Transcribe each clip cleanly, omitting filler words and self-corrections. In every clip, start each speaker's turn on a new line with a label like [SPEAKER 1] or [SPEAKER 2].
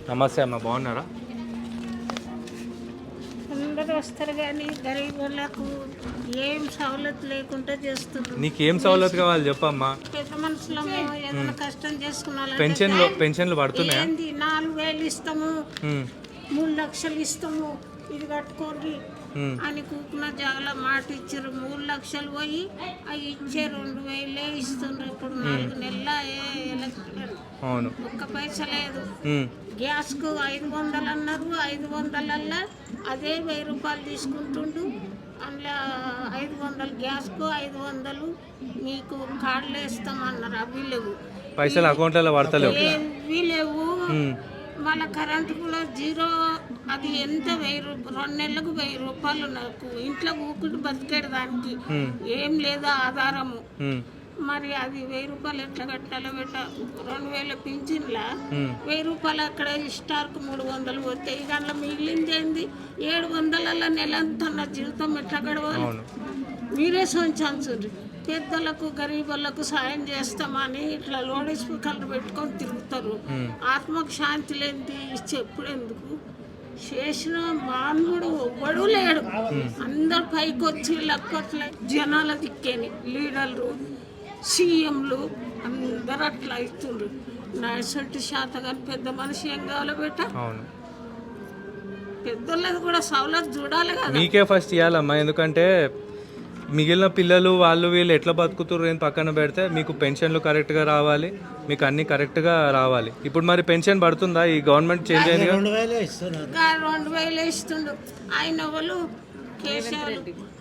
[SPEAKER 1] నమస్తే అమ్మ, బాగున్నారా?
[SPEAKER 2] అందరూ వస్తారు కానీ గరీబ్ వాళ్ళకు ఏం సవలత్ లేకుండా చేస్తున్నారు.
[SPEAKER 1] నీకేం సవలత్ కావాలి చెప్పమ్మా.
[SPEAKER 2] పెద్ద మనుషులము ఏదైనా కష్టం చేసుకున్న
[SPEAKER 1] పెన్షన్లు పడుతున్నాయా?
[SPEAKER 2] 4,000 ఇస్తాము, 3 లక్షలు ఇస్తాము, ఇది కట్టుకోండి అని కూకున్న జాగల మాట ఇచ్చారు. 3 లక్షలు పోయి అవి ఇచ్చే 2,000 ఇస్తుండ్రు. ఇప్పుడు 4 నెలల
[SPEAKER 1] అవును,
[SPEAKER 2] ఒక్క పైసా లేదు. గ్యాస్కు 500 అన్నారు. 500 అదే 1,000 రూపాయలు తీసుకుంటుండు. అందులో 500 గ్యాస్కు 500 మీకు కార్డులు వేస్తామన్నారు. అవి లేవు,
[SPEAKER 1] పైసలు అకౌంట్లలో పడతలేవు,
[SPEAKER 2] ఏవి లేవు. మళ్ళీ కరెంటు కూడా జీరో. అది ఎంత 2 నెలలకు 1,000 రూపాయలు. నాకు ఇంట్లో ఊకుటి బతికేడు దానికి ఏం లేదు ఆధారము. మరి అది 1,000 రూపాయలు ఎట్లా కట్టాలో పెట్ట 2,000 పింఛన్లా 1,000 రూపాయలు అక్కడ స్టార్కు 300 పోతే ఇక అందులో మిగిలింది ఏంది? 700 నెలంతా నా జీవితం ఎట్లా గడవాలి? మీరే సొంచాల్సింది. పెద్దలకు గరీబులకు సాయం చేస్తామని ఇట్లా లోడ్ స్పీకర్లు పెట్టుకొని తిరుగుతారు. ఆత్మకు శాంతి లేనిది చెప్పుడెందుకు? చేసిన మానవుడు ఒవ్వడు లేడు. అందరు పైకి వచ్చి లక్కట్లే జనాల దిక్కేని లీడర్లు, సీఎంలు అందరు అట్లా ఇస్తుండ్రు. నా ఇసంటి శాతగాని పెద్ద మనిషి ఏం కావాలో బెట్ట? పెద్దోళ్ళది కూడా సవలత్ చూడాలి కదా.
[SPEAKER 1] మీకే ఫస్ట్ ఇవ్వాలమ్మా, ఎందుకంటే మిగిలిన పిల్లలు వాళ్ళు వీళ్ళు ఎట్లా బతుకుతుర్రు అని పక్కన పెడితే మీకు పెన్షన్లు కరెక్ట్గా రావాలి, మీకు అన్ని కరెక్ట్గా రావాలి. ఇప్పుడు మరి పెన్షన్ పడుతుందా? ఈ గవర్నమెంట్ చేంజ్ అయింది కదా,
[SPEAKER 2] 2,000 ఇస్తుండు. ఆయన వాళ్ళు కేసీఆర్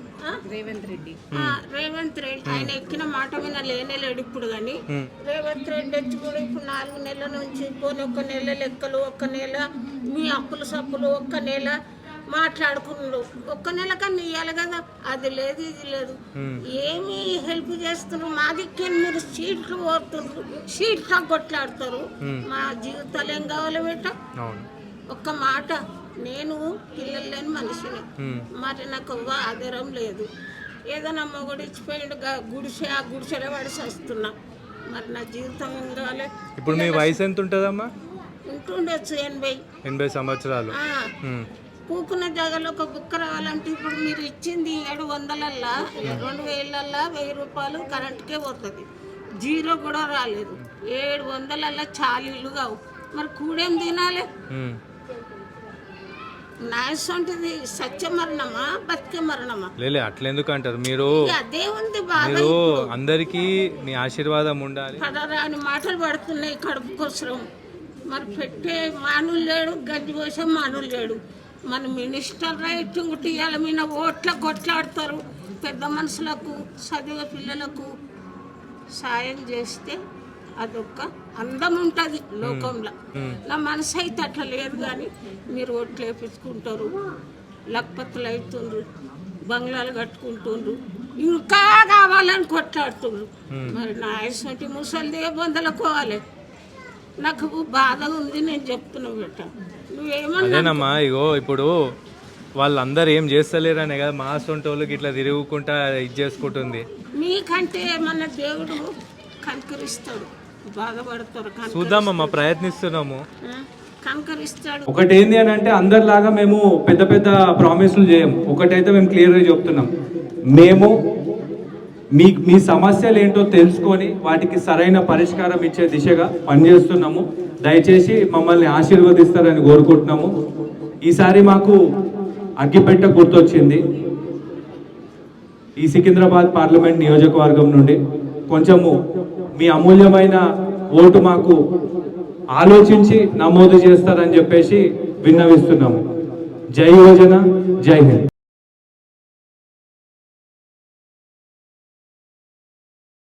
[SPEAKER 2] రేవంత్ రెడ్డి ఆయన ఎక్కిన మాట మీద లేనేలేడు ఇప్పుడు. కానీ రేవంత్ రెడ్డి వచ్చి కూడా ఇప్పుడు 4 నెలల నుంచి పోనీ 1 నెల లెక్కలు, 1 నెల మీ అప్పులు సప్పులు, 1 నెల మాట్లాడుకున్నాడు. 1 నెల కన్నా ఇవ్వాలి కదా, అది లేదు ఇది లేదు. ఏమి హెల్ప్ చేస్తున్నారు? మా దిక్కే మీరు సీట్లు కోరుతున్నారు, సీట్లు కొట్లాడుతారు. మా జీవితాలు ఏం కావాలి బెట్ట? ఒక్క మాట, నేను పిల్లలు లేని మనిషిని, మరి నాకు ఆధారం లేదు. ఏదైనా మొగుడు ఇచ్చిపోయాడు గుడిసె, ఆ గుడిసెలో పడిసి వస్తున్నా. మరి నా జీవితం ఏం కావాలి?
[SPEAKER 1] ఇప్పుడు మీ వయసు ఎంత ఉంటుందమ్మా?
[SPEAKER 2] ఉంటుండొచ్చు
[SPEAKER 1] 80 సంవత్సరాలు.
[SPEAKER 2] కూకున్న జాగాలో ఒక బుక్క రావాలంటే ఇప్పుడు మీరు ఇచ్చింది 700 2,000 1,000 రూపాయలు కరెంట్కే పోతుంది. జీరో కూడా రాలేదు. 700 చాలీలు కావు. మరి కూడేం తినాలి? నాయసంటిది సత్య మరణమా బతికే మరణమా?
[SPEAKER 1] లేలే అట్లెందుకు అంటారు మీరు?
[SPEAKER 2] అదే ఉంది బాధ.
[SPEAKER 1] అందరికీ మీ ఆశీర్వాదం ఉండాలి.
[SPEAKER 2] పడరాని మాటలు పడుతున్నాయి కడుపు కోసం. మరి పెట్టే మానులు లేడు, గడ్డి పోసే మానులు లేడు. మన మినిస్టర్ రైట్ ఇవాళ మీద ఓట్ల కొట్లాడతారు. పెద్ద మనుషులకు చదివే పిల్లలకు సాయం చేస్తే అదొక అందం ఉంటుంది లోకంలో. నా మనసు అయితే అట్లా లేదు. కానీ మీరు ఓట్లు వేపించుకుంటారు, లక్పత్తులు అవుతుండ్రు, బంగ్లాలు కట్టుకుంటుండ్రు, ఇంకా కావాలని కొట్లాడుతుండ్రు. మరి నా ఇటువంటి ముసలిదే బొందలకోవాలి. నాకు బాధ ఉంది, నేను చెప్తున్నా బెట్ట.
[SPEAKER 1] అదేనమ్మా, ఇగో ఇప్పుడు వాళ్ళందరూ ఏం చేస్తలేరనే కదా మా సొంటోళ్ళకి ఇట్లా తిరుగుకుంటా ఇది చేసుకుంటుంది.
[SPEAKER 2] మీకంటే మన దేవుడు కనికరిస్తాడు, బాధపడతారు.
[SPEAKER 1] చూద్దామమ్మా, ప్రయత్నిస్తున్నాము,
[SPEAKER 2] కనికరిస్తాడు.
[SPEAKER 1] ఒకటి ఏంది అని అంటే అందరిలాగా మేము పెద్ద పెద్ద ప్రామిస్లు చేయము. ఒకటైతే మేము క్లియర్గా చెప్తున్నాం, మేము మీ సమస్యలు ఏంటో తెలుసుకొని వాటికి సరైన పరిష్కారం ఇచ్చే దిశగా పనిచేస్తున్నాము. దయచేసి మమ్మల్ని ఆశీర్వదిస్తారని కోరుకుంటున్నాము. ఈసారి మాకు అగ్గిపెట్ట గుర్తొచ్చింది. ఈ సికింద్రాబాద్ పార్లమెంట్ నియోజకవర్గం నుండి కొంచెము మీ అమూల్యమైన ఓటు మాకు ఆలోచించి నమోదు చేస్తారని చెప్పేసి విన్నవిస్తున్నాము. జై యోజన, జై హింద్.